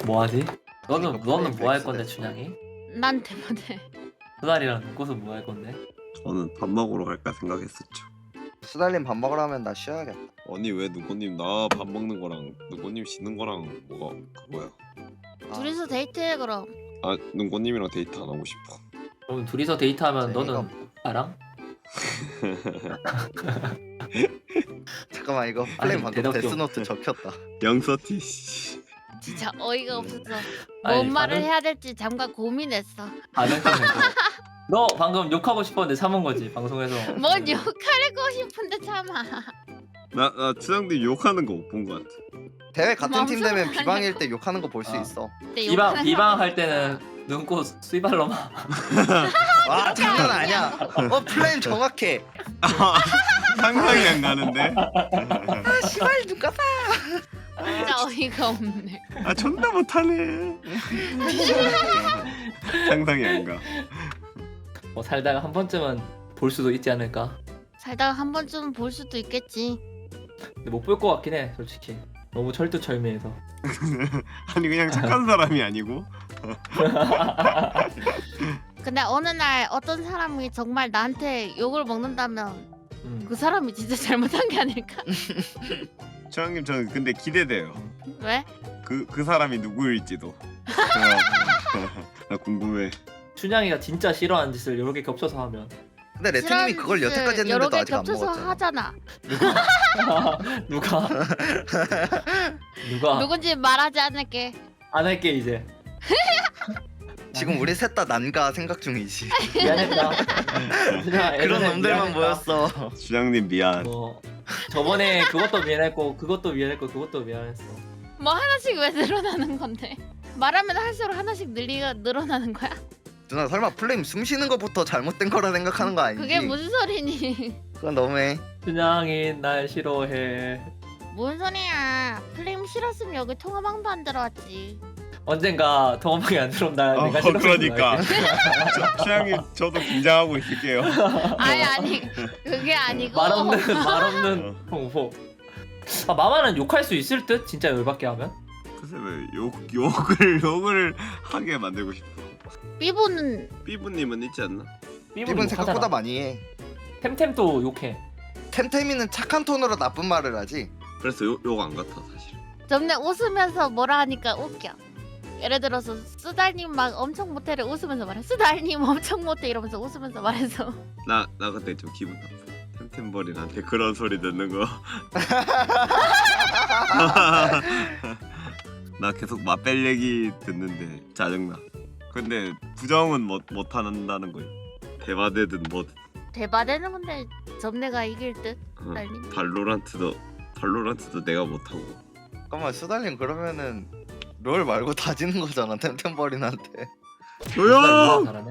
뭐하지? 너는 그러니까 뭐 할 플레이 건데 백스 춘향이? 난 대만해. 수달이랑 눈꽃은 뭐 할 건데? 저는 밥 먹으러 갈까 생각했었죠. 수달님 밥 먹으러 하면 나 쉬어야겠다. 아니 왜 누구님 나 밥 먹는 거랑 누구님 쉬는 거랑 뭐가 그거야? 아, 둘이서 데이트해 그럼. 아 누구님이랑 데이트 안 하고 싶어. 그럼 둘이서 데이트하면 재미가 너는 나랑? 잠깐만 이거 플레임 방금 대답 좀. 데스노트 적혔다. 양서티 씨. 진짜 어이가 없었어. 아니, 뭔 말을 반응- 해야 될지 잠깐 고민했어. 반응 좀 해줘. 너 방금 욕하고 싶었는데 참은 거지 방송에서. 뭔 욕하고 싶은데 참아. 나 추장님 욕하는 거 못 본 거 같아. 대회 같은 팀 되면 맘속으로 비방일 때 욕하는 거 볼 수 아. 있어. 근데 비방 욕하는 비방 할 때는 눈꽃 수이발로마. 와 장난 아니야. 플레임 정확해. 상상이 안 가는데. 아 씨발 누가 사? 진짜 어이가 없네. 아 존나 못하네. 상상이 안 가. 뭐 살다가 한 번쯤은 볼 수도 있지 않을까? 살다가 한 번쯤은 볼 수도 있겠지. 근데 못 볼 것 같긴 해 솔직히. 너무 철두철미해서. 아니 그냥 착한 사람이 아니고. 근데 어느 날 어떤 사람이 정말 나한테 욕을 먹는다면 그 사람이 진짜 잘못한 게 아닐까? 추장님 저는 근데 기대돼요. 왜? 그 사람이 누구일지도. 나 궁금해. 춘향이가 진짜 싫어하는 짓을 여러 개 겹쳐서 하면 근데 레트님이 그걸 여태까지 여러 했는데도 개 아직 안 겹쳐서 먹었잖아. 하잖아. 누가 누가 누군지 말하지 않을게. 안 할게 이제. 지금 우리 셋 다 난가 생각 중이지. 미안했다. 춘향아, 그런 예전에 놈들만 미안했다. 모였어. 추장님 미안. 뭐 저번에 그것도 미안했고 그것도 미안했고 그것도 미안했어. 뭐 하나씩 왜 늘어나는 건데? 말하면 할수록 하나씩 늘어나는 거야? 누나 설마 플레임 숨 쉬는 것부터 잘못된 거라 생각하는 거 아니지? 그게 무슨 소리니? 그건 너무해. 춘향이 날 싫어해. 뭔 소리야? 플레임 싫었으면 여기 통화방도 안 들어왔지. 언젠가 통화방에 안 들어온다. 내가 싫어서 그러니까. 그러지. 추장님 저도 긴장하고 있을게요. 아니 그게 아니고. 말 없는 홍보. 아 마마는 욕할 수 있을 듯 진짜 열받게 하면. 글쎄 왜 욕을 하게 만들고 싶어. 삐보는 삐부님은 있지 않나? 기분 생각보다 많이 해. 템템도 욕해. 템템이는 착한 톤으로 나쁜 말을 하지. 그래서 욕 안 같아 사실. 점내 웃으면서 뭐라 하니까 웃겨. 예를 들어서 수달님 막 엄청 못해를 웃으면서 말해. 수달님 엄청 못해 이러면서 웃으면서 말해서. 나 그때 좀 기분 나빠. 템템버린한테 그런 소리 듣는 거. 나 계속 맛벨 얘기 듣는데 짜증나. 근데 부정은 못 한다는 거야. 대바대든 뭐든. 대바되는 건데 점내가 이길 듯. 어, 수달님. 발로란트도 내가 못 하고. 잠깐만 수달님 그러면은 롤 말고 다 지는 거잖아 템템버린한테. 조용! 잘하네.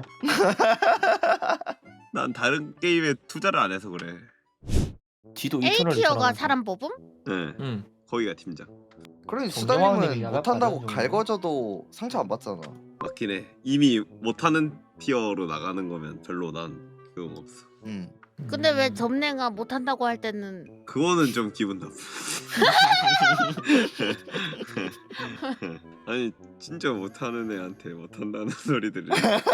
난 다른 게임에 투자를 안 해서 그래. 지도 A 2천을 티어가 사람 뽑음? 네, 응. 거기가 팀장. 그럼 정정왕님이 수달님은 야간 못한다고 받은 정도. 갈궈져도 상처 안 받잖아. 맞긴 해. 이미 못하는 티어로 나가는 거면 별로 난 그건 없어. 근데 왜 점내가 못한다고 할 때는 그거는 좀 기분 나빠. 아니 진짜 못하는 애한테 못한다는 소리들을.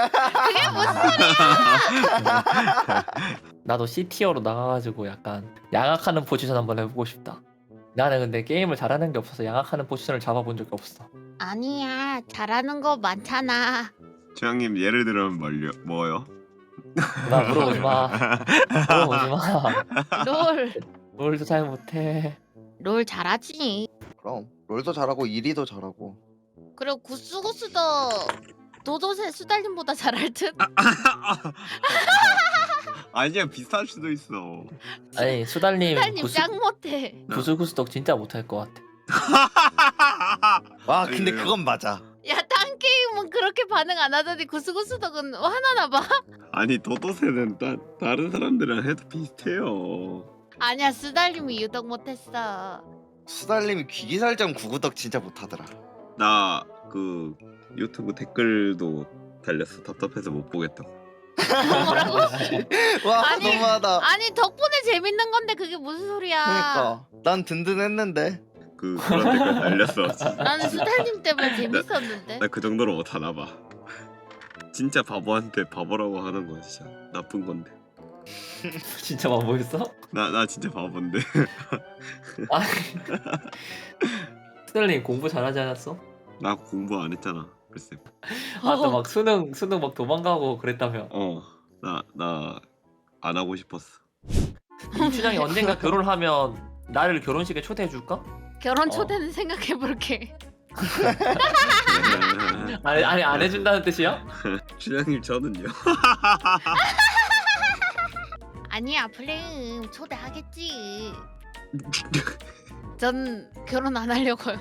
나도 C 티어로 나가가지고 약간 양악하는 포지션 한번 해보고 싶다. 나는 근데 게임을 잘하는 게 없어서 양악하는 포지션을 잡아본 적이 없어. 아니야 잘하는 거 많잖아. 주영님 예를 들면 뭐요? 나 물어보지 마. 물어보지 마. 롤. 롤도 잘 못해. 롤 잘하지. 그럼 롤도 잘하고 이리도 잘하고. 그리고 구스구스도 도도새 수달님보다 잘할 듯. 아니야 비슷할 수도 있어. 아니 수달님 수달님 짱 못해. 구슬구슬덕 진짜 못할 것 같아. 와 아니, 근데 왜요? 그건 맞아. 야 딴 게임은 그렇게 반응 안 하더니 구스구스덕은 화나나 봐. 아니 도도새는 다른 사람들이랑 해도 비슷해요. 아니야 수달님이 유독 못했어. 수달님이 귀기살점 구구덕 진짜 못하더라. 나 그 유튜브 댓글도 달렸어. 답답해서 못 보겠다고. 뭐라고? 와 아니, 너무하다. 아니 덕분에 재밌는 건데 그게 무슨 소리야. 그러니까 난 든든했는데. 그런 댓글 달렸어. 나는 수달님 때문에 재밌었는데. 나 그 정도로 못하나 봐. 진짜 바보한테 바보라고 하는 거 진짜 나쁜 건데. 진짜 바보였어? 나 진짜 바본데. 아니 수달님 공부 잘하지 않았어? 나 공부 안 했잖아. 글쎄. 아또 막 수능 막 도망가고 그랬다며. 나 안 하고 싶었어. 이춘향이 언젠가 결혼하면 나를 결혼식에 초대해 줄까? 결혼 초대는 생각해 볼게. 아니 안 해준다는 뜻이야? 춘향님 저는요. 아니야 플레임 초대하겠지. 전 결혼 안 하려고요.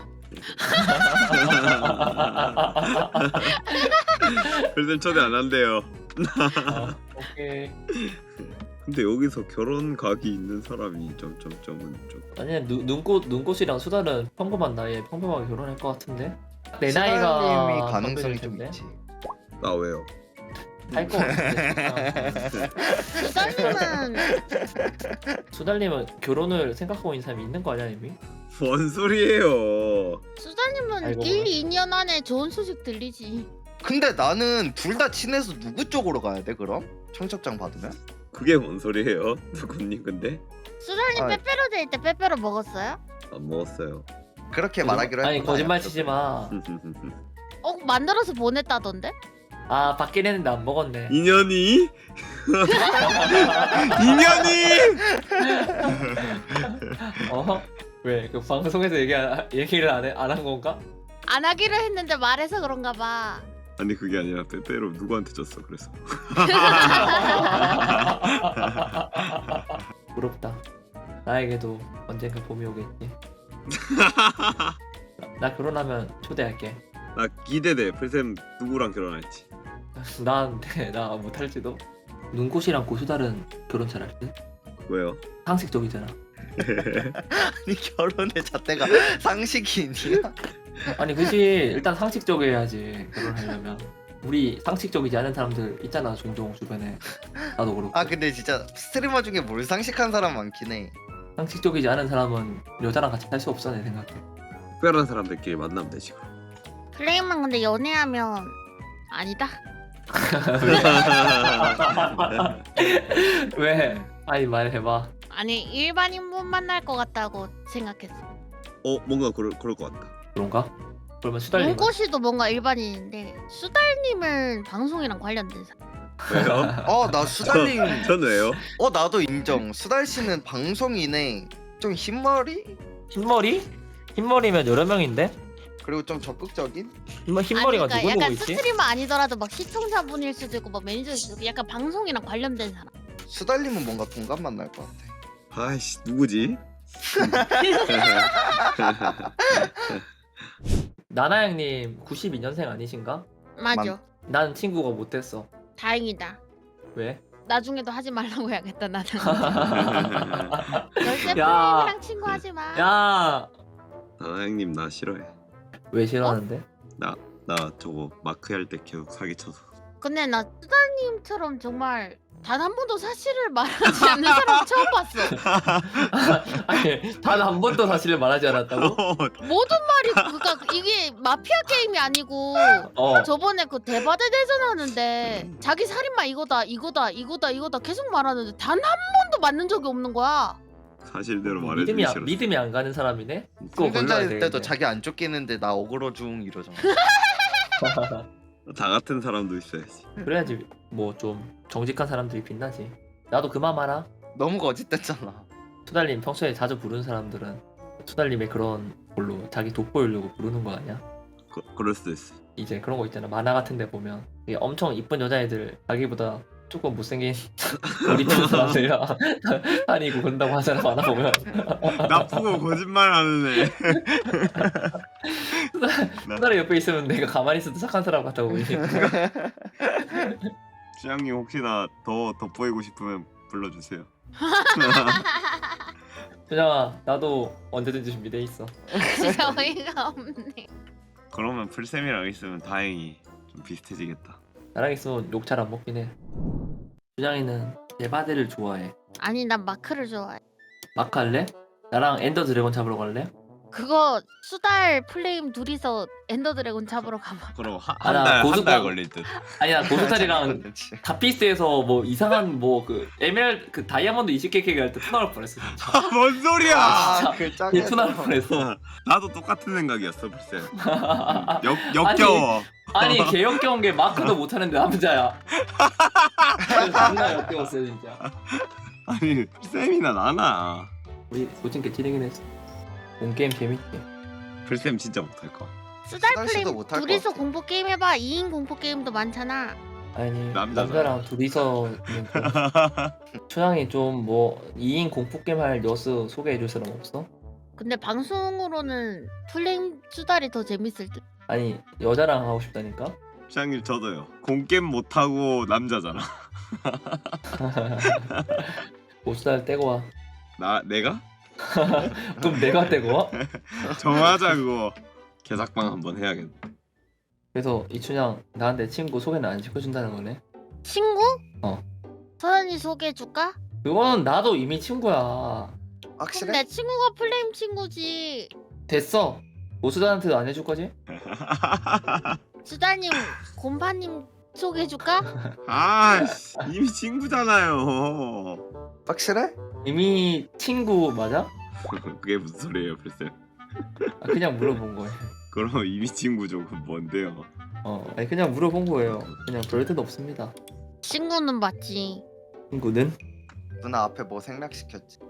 글쎄 초대 안 한대요. 오케이. 근데 여기서 결혼 각이 있는 사람이 점은 좀. 아니 눈꽃이랑 수달은 평범한 나이에 평범하게 결혼할 것 같은데. 내 수달님이 나이가 가능성이 평균일 좀 텐데. 있지. 나 왜요? 할것 같은데. 수달님은 수달님은 결혼을 생각하고 있는 사람이 있는 거 아니야 이미? 뭔 소리예요? 수달님은 알고 1, 보면. 2년 안에 좋은 소식 들리지. 근데 나는 둘 다 친해서 누구 쪽으로 가야 돼 그럼? 청첩장 받으면? 그게 뭔 소리예요? 누구님 근데? 수달님 아이. 빼빼로 데이 때 빼빼로 먹었어요? 안 먹었어요. 그렇게 말하기로 아니 했구나. 거짓말 치지 마. 만들어서 보냈다던데? 아 받긴 했는데 안 먹었네. 인연이? 인연이? 어? 왜? 그 방송에서 얘기를 안 한 건가? 안 하기로 했는데 말해서 그런가 봐. 아니 그게 아니라 빼빼로 누구한테 줬어 그래서. 부럽다. 나에게도 언젠가 봄이 오겠지. 나 결혼하면 초대할게. 나 기대돼. 풀쌤 누구랑 결혼할지. 나 못할지도. 눈꽃이랑 고수달은 결혼 잘할 듯? 왜요? 상식적이잖아. 아니 결혼의 잣대가 상식이 있냐? 아니 그지 일단 상식적이어야지 결혼하려면. 우리 상식적이지 않은 사람들 있잖아 종종 주변에. 나도 그렇고. 아 근데 진짜 스트리머 중에 뭘 상식한 사람 많긴 해. 상식적이지 않은 사람은 여자랑 같이 살 수 없어 내 생각에. 특별한 사람들끼리 만나면 되지 그럼. 플레임은 근데 연애하면 아니다. 왜? 아니 말해봐. 아니 일반인분 만날 것 같다고 생각했어. 뭔가 그럴 것 같다. 그런가? 그러면 수달님. 눈꽃이도 뭔가 일반인인데 수달님은 방송이랑 관련된 사람. 왜요? 나 수달님. 전 왜요? 나도 인정. 수달 씨는 방송인에 좀 흰머리 흰머리? 흰머리면 여러 명인데? 그리고 좀 적극적인. 흰머리가 아니, 그러니까 누굴 보고 약간 있지? 스트리머 아니더라도 막 시청자분일 수도 있고 막 매니저일 수도 있고 약간 방송이랑 관련된 사람. 수달님은 뭔가 동감 만날 것 같아. 아이씨 누구지? 나나 형님 92년생 아니신가? 맞아. 난 친구가 못됐어. 다행이다. 왜? 나중에도 하지 말라고 해야겠다 나는. 절대 야. 플레임이랑 친구하지 마. 야! 나나형님 나 싫어해. 왜 싫어하는데? 나 저거 마크 할 때 계속 사기쳐서. 근데 나 수달님처럼 정말 단 한 번도 사실을 말하지 않는 사람 처음 봤어. 아니 단 한 번도 사실을 말하지 않았다고? 모든 말이 그러니까 이게 마피아 게임이 아니고 어. 저번에 그 대바대 대전 하는데 자기 살인마 이거다 계속 말하는데 단 한 번도 맞는 적이 없는 거야. 사실대로 말해주기 싫어. 믿음이 안 가는 사람이네? 그거 골라야 성전자일 때도 되겠네. 자기 안 쫓기는데 나 어그로 중 이러잖아. 다 같은 사람도 있어야지. 그래야지 뭐 좀 정직한 사람들이 빛나지. 나도 그만 말아. 너무 거짓됐잖아. 수달님 평소에 자주 부르는 사람들은 수달님의 그런 걸로 자기 돋보이려고 부르는 거 아니야? 그럴 수도 있어. 이제 그런 거 있잖아 만화 같은 데 보면 이게 엄청 이쁜 여자애들 자기보다 조금 못생긴 머리핀 사람들이랑 다니고 그런다고 하잖아 만화 보면. 나쁘고 거짓말하는 애. 수달이 옆에 있으면 내가 가만히 있어도 착한 사람 같아 보이니까. 주양님 혹시나 더 돋보이고 싶으면 불러주세요. 수정아 나도 언제든지 준비돼 있어. 진짜 어이가 없네. 그러면 풀쌤이랑 있으면 다행히 좀 비슷해지겠다. 나랑 있으면 욕 잘 안 먹긴 해. 수정이는 대바대를 좋아해. 아니 난 마크를 좋아해. 마크 할래? 나랑 엔더 드래곤 잡으러 갈래? 그거 수달 플레임 둘이서 엔더 드래곤 잡으러 가봐. 그럼 아, 나 한 달 고수당- 걸릴 듯. 아니야 고스탈이랑 그렇지. 다피스에서 뭐 이상한 뭐 그 에메랄드 그 다이아몬드 20개 할때 투나올 뻔했어. 진짜. 뭔 소리야? 진짜 그 걔 투나올 뻔했어. 나도 똑같은 생각이었어 글쎄. 아니, 역겨워. 아니 개 역겨운 게 마크도 못하는데 남자야. 존나 역겨웠어 진짜. 아니 쌤이나 나나. 우리 고진께 찌르긴 했어. 본 게임 재밌지. 글쌤 진짜 못할 거. 수달 수달 씨도 플레임 못할 것 둘이서 같아. 공포 게임 해봐. 2인 공포 게임도 많잖아. 아니 남자잖아. 남자랑 둘이서 있는 춘향이 좀 뭐 2인 공포 게임 할 여수 소개해줄 사람 없어? 근데 방송으로는 플레임 수달이 더 재밌을 듯. 아니 여자랑 하고 싶다니까? 시장님 저도요. 공겜 못하고 남자잖아. 보스달 떼고 와. 내가? 그럼 내가 떼고 와? 정하자 그거. 개삭방 한번 해야겠네. 그래서 이춘향 나한테 친구 소개는 안 시켜준다는 거네? 친구? 어. 서연이 소개해줄까? 그거는 나도 이미 친구야. 그럼 확실해? 내 친구가 플레임 친구지. 됐어. 보스달한테도 안 해줄 거지? 수달님, 곰파님 소개해줄까? 아 이미 친구잖아요. 확실해? 이미 친구 맞아? 그게 무슨 소리예요 글쎄. 아, 그냥 물어본 거예요. 그럼 이미 친구죠. 그건 뭔데요? 아니 그냥 물어본 거예요. 그냥 별 뜻 없습니다. 친구는 맞지. 친구는? 누나 앞에 뭐 생략시켰지?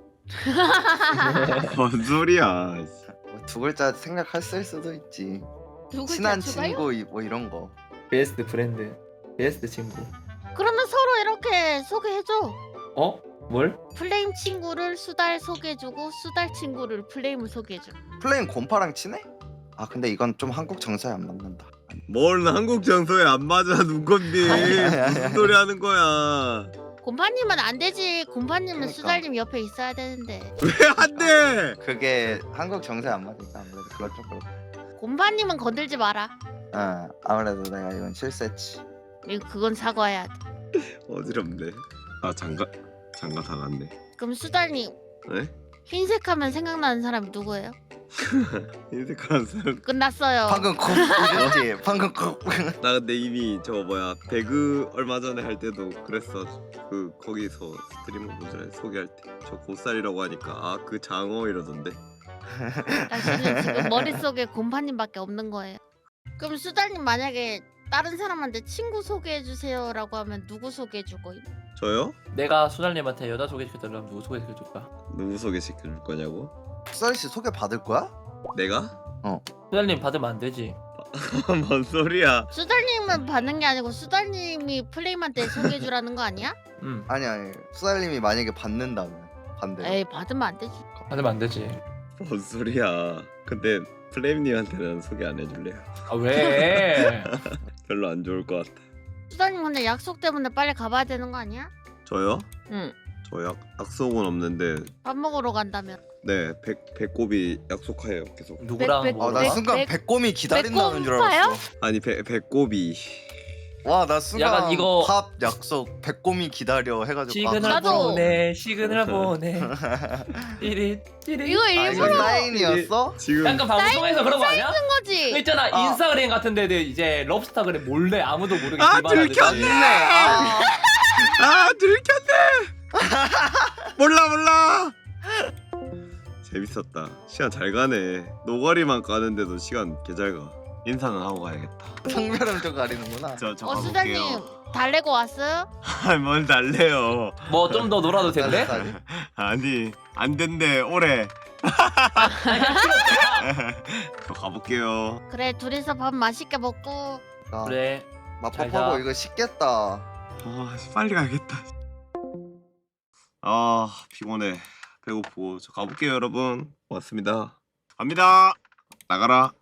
뭔 소리야? 뭐두 글자 생략했을 수도 있지. 누구 친한 자주가요? 친구 뭐 이런 거. 베스트 프렌드. 베스트 친구. 그러면 서로 이렇게 소개해줘. 어? 뭘? 플레임 친구를 수달 소개해주고 수달 친구를 플레임을 소개해줘. 플레임 곰파랑 친해? 아 근데 이건 좀 한국 정서에 안 맞는다. 뭘 한국 정서에 안 맞아 눈건디. 무슨 소리 하는 거야? 곰파님은 안 되지. 곰파님은 그러니까. 수달님 옆에 있어야 되는데. 왜 안 돼? 그게 한국 정서에 안 맞으니까 아무래도 그건 좀 그렇고. 곰파님은 건들지 마라. 아무래도 내가 이건 실수했지. 그건 사과해야 돼. 어지럽네. 아 장가 다 갔네. 그럼 수달님 네? 흰색하면 생각나는 사람이 누구예요? 인색한 사람. 끝났어요. 방금 곰 이랬지. 방금 곰. 나 근데 이미 저 뭐야 배그 얼마 전에 할 때도 그랬어. 그 거기서 스트리머 분들 소개할 때 저 고쌀이라고 하니까 아 그 장어 이러던데. 당신은 지금 머릿속에 곰파님밖에 없는 거예요. 그럼 수달님 만약에 다른 사람한테 친구 소개해주세요라고 하면 누구 소개해줄 거임? 저요? 내가 수달님한테 여자 소개시켜달라면 누구 소개시켜줄까? 누구 소개시켜 줄 거냐고? 수달 씨 소개 받을 거야? 내가? 수달님 받으면 안 되지. 뭔 소리야? 수달님은 받는 게 아니고 수달님이 플레임한테 소개해주라는 거 아니야? 아니 수달님이 만약에 받는다면 반대로. 에이 받으면 안 되지. 받으면 안 되지. 뭔 소리야? 근데 플레임님한테는 소개 안 해줄래요. 아 왜? 별로 안 좋을 것 같아. 수달님 근데 약속 때문에 빨리 가봐야 되는 거 아니야? 저요? 응. 저 약속은 없는데 밥 먹으러 간다면. 네 배꼽이 약속해요 계속. 누구랑 백- 뭐랑? 나 백- 순간 백- 배꼽이 기다린다는 줄 배꼽파요? 알았어. 아니 배꼽이 와 나 순간 약간 이거- 밥 약속 배꼽이 기다려 해가지고 시그널 나도- 보내. 시그널 보내. 띠리 띠리. 이거 아 이거 일부러 사인이었어? 지금 약간 방송에서 그런 거 아니야? 한 거지. 있잖아 아. 인스타그램 같은 데도 이제 럽스타그램 몰래 아무도 모르게 아, 기반하듯이. 들켰네! 맞네. 아 들켰네. 몰라. 재밌었다. 시간 잘 가네. 노가리만 까는데도 시간 개 잘 가. 인사는 하고 가야겠다. 성별은 좀 가리는구나. 저 수달님 가볼게요. 달래고 왔어요? 뭘 달래요? 뭐 좀 더 놀아도 된대? 아니 안 된대 올해. 아니 그냥 필요 없잖아. 저 가볼게요. 그래 둘이서 밥 맛있게 먹고. 그래. 잘 맛밥하고 자. 이거 식겠다. 빨리 가야겠다. 아 피곤해. 배고프고 저 가볼게요 여러분. 고맙습니다. 갑니다. 나가라.